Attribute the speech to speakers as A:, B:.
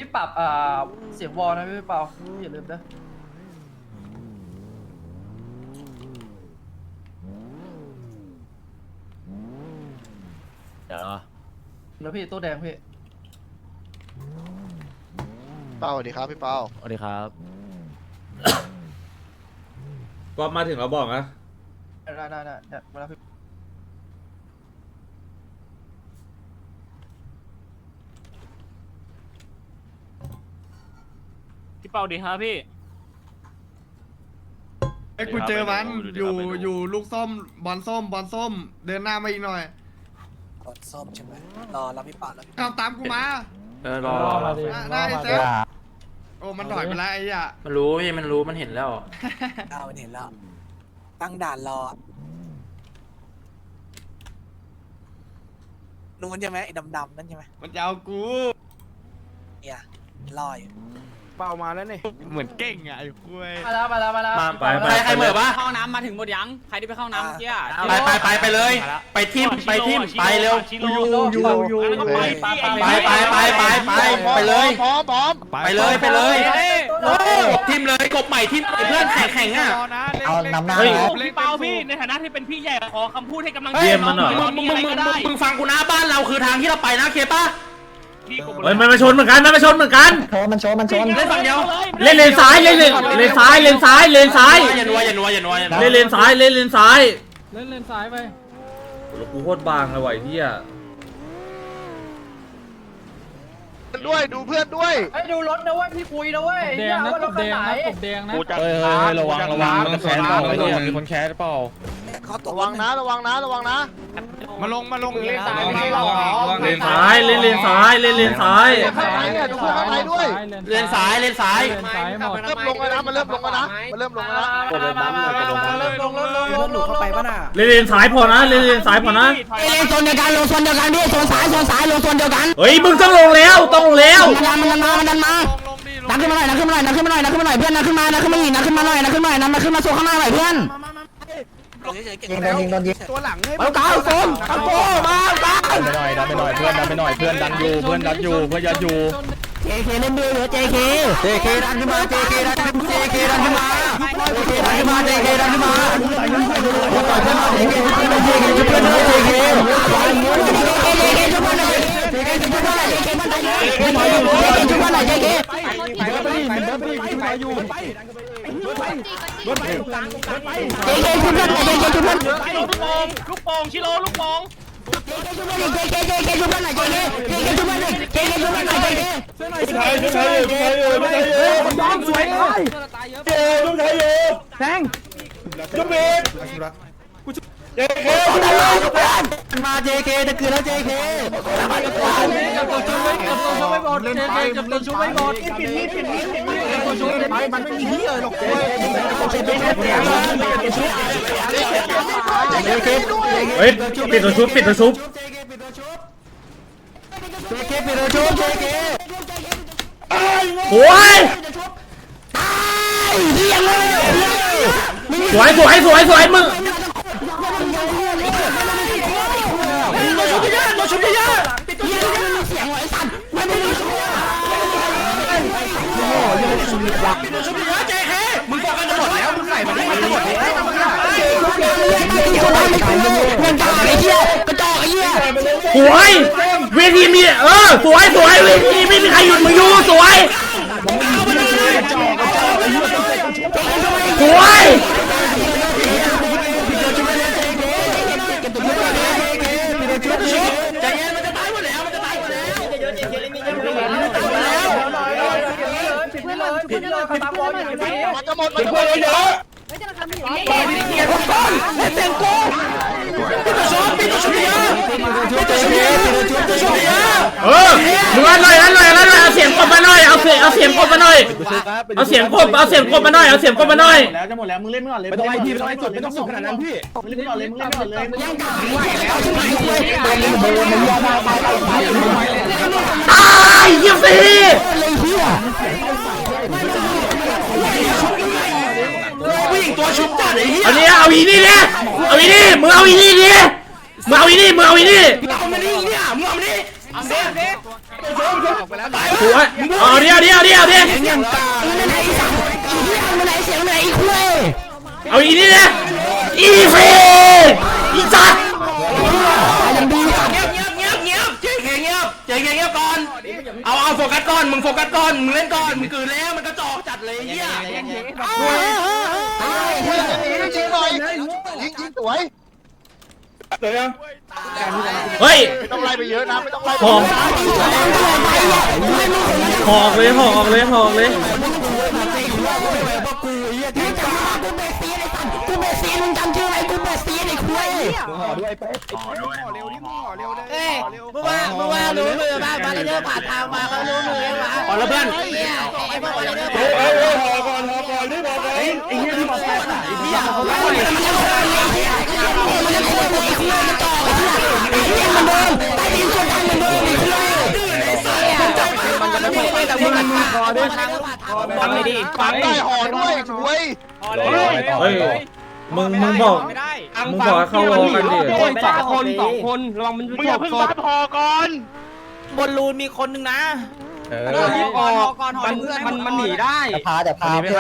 A: พี่ปรับเสียงวอลนะพี่เปาอย่าลืมนะ
B: เดี๋ยว
A: แล้วพี่ตัวแดงพี่
C: เปาสวัสดีครับพี่เปา
B: สวัสดีครับ
D: ก็มาถึงเราบอกนะ
A: ได้เนี่ยมาแล้วพี่
E: พี่เปาดีครับพี่
F: ไอ้กูเจอมันอยู่ลูกส้มบอลส้มเดินหน้ามาอีกหน่อย
G: กดส้มใช่ไหมรอรับพี่ปาแล้ว
F: เอาตามกูมา
B: รอ
F: ได้เซฟโอ้มันถอยไปแล้วไอ้เหี้ย
B: มันรู้พี่มันรู้มันเห็นแล้ว
G: เอาเห็นแล้ว ตั้งด่านรอนู้นใช่ไหมไอ้ดำๆนั่นใช่ไหม
F: มันจะเอากู
G: เนี่ยรออยู่
F: เป้ามาแล้วนี่เหมือนเก่งอ่ะไอ้คุย
A: มาแล้ว
B: ใครเหมือปะ
E: เข้าน้ำมาถึงหมดยังใครที่ไปเข้าน้ำเมื่อกี้
B: ไปเลย ไปทิมไปเร็ว
A: อยู่
B: ไปเลย
C: พร้อม
B: ไปเลยทิมเลยกบใหม่ทิมเพื่อนแข่งอ่ะ
F: เอานำหน้า
E: พี่เปาพี่ในฐานะที่เป็นพี่ใหญ่ขอคำพูดให้กำลังใจ
B: มึงฟังกูนะบ้านเราคือทางที่เราไปนะเคป้า
D: เฮ้ยมันมาชนเหมือนกันมันชนเหมือนกัน
B: มันชนเล่นฝั่งเดียว
D: เล่นเลนซ้ายเล่นซ้ายอย่านัวเล่นเลนซ้ายเล่นเลนซ้ายไปแล้วกูโคตรบางเลยว่ะไอ้เหี้ย
C: ด้วยดูเพื่อนด้วย
A: ไอ้ดูรถนะเว้ยพี่คุยนะเว้ยแดงนะรถคันไหน
C: กูจะ
B: ระวังมันแคสเปล่ามีคนแคสเปล่า
G: เขาตก
C: ระวังนะระวังนะ
F: มาลงเล่น
D: เลนซ้ายเล่นเลนซ้าย
C: ข้างในเนี่ยดูข้างในด้วย
B: เลนซ้าย
C: เริ่มลงแล้วนะมันเริ่มลงแล้วนะเริ่มลงแล้วนะ
A: เริ่มลงหนูเข้าไปป่ะน่ะ
D: เล่นเลนซ้ายพอนะเล่นเลนซ้ายพอนะ
B: เล่นโซนเดียวกันลงโซนเดียวกันพี่โซนซ้ายลงโซนเดียวกัน
D: เฮ้ยมึงต้องลงแล้วมันดันมา
B: นักขึ้นมาหน่อยเพื่อนนักขึ้นมาอีกนักขึ้นมาหน่อยนักขึ้นมาโซนข้างหน้าหน่อยเพื่อน
G: ยิงตัวหลังให้
B: เอาเก้าโซนเอาโก้มาดันไปหน่อยเพื่อนดันอยู่เพื่อนยัดอยู่ JK เล่นด้วยเหรอ JK ดันขึ้นมา JK ดันขึ้นมา JK ดันขึ้นมาต่อยเพื่อนมา JK ชุบเพื่อนเลย JK ชุบเพื่อนเลย JK ชุบเพื่อนเลย JK มันได้ชุบเพื่อนเลย JK
E: ลูกโป่งชิโร่ลูกโป่ง
B: มา JK จะเกิดแล้ว JK
D: เฮ้ยปิดตัวชุบ
B: JK ปิดตัวชุบ JK
D: โอ้ยสวยมึงสวยเวทีมีสวยเวทีไม่มีใครหยุดมึงอยู่สวยปิดเลยตามบอลอยู่พี่มันจะหมดเยอะมึงอันหน่อยเอาเสียงกบมาหน่อยเอาเสียงกบมาหน่อยเอาเสียงกบมาหน่อย
F: แล้วจะหมดแล้วมึงเล่นไม่ก่อนเลยไม่ต้องไล่พี่ไม่ต้องสุดขนาดนั้นพี่มึงเล่นไม่ก่อนเลยย่างกาไหวแล้ว
D: ตายเยี่ยมสิ
B: ผู้หญิงตัวชุบจัดไอ้เหี้ย
D: เอาเนี่ยเอาอีนี่เนี่ยมึงเอาอีนี่เนี่ยมึงเอาอีนี่
B: เอามาดิเนี่ยมึงเอามาดิเอาเซ่ไป
D: สวยเอาดิเอาดิเอาดิเอาดิเอาอีนี่นะอีเฟอีจัดเงียบก่อนเอาโฟกัสก่อนมึงโฟกัสก่อนมึงเล่นก่อนมึงกืนแล้วมันกระจอกจัดเลยเหี้ย
C: ยิงหน่อยยิงสวย
D: เฮ้ย
C: ไม่ต้องไล่ไปเยอะนะไม่ต้องไล่
D: หอกหอกเลยหอกเลยหอกเลย
G: เมื่อวานรู้มือมาเรื่อยๆผ่านทางมาเขารู้มือมา
B: ก่อนแล้วเพื่อน
G: ไอ้พวกมาเรื่อยๆ
F: ไอ้เหี้ยที่มาแพ้น่ะไอ้เหี้ยเขาไล่
G: ทำไม่ดี
C: ปากได้ห่อด้วยช่วย
D: เฮ้ยมึงบอกมึงบอกให้เข้าวอกันดิ
E: สองคนระวังมันมึงอย่าเพิ่งซัดพอก่อน
G: บนรูนมีคนนึงนะ
E: มันหนีได้
B: พาแต่พา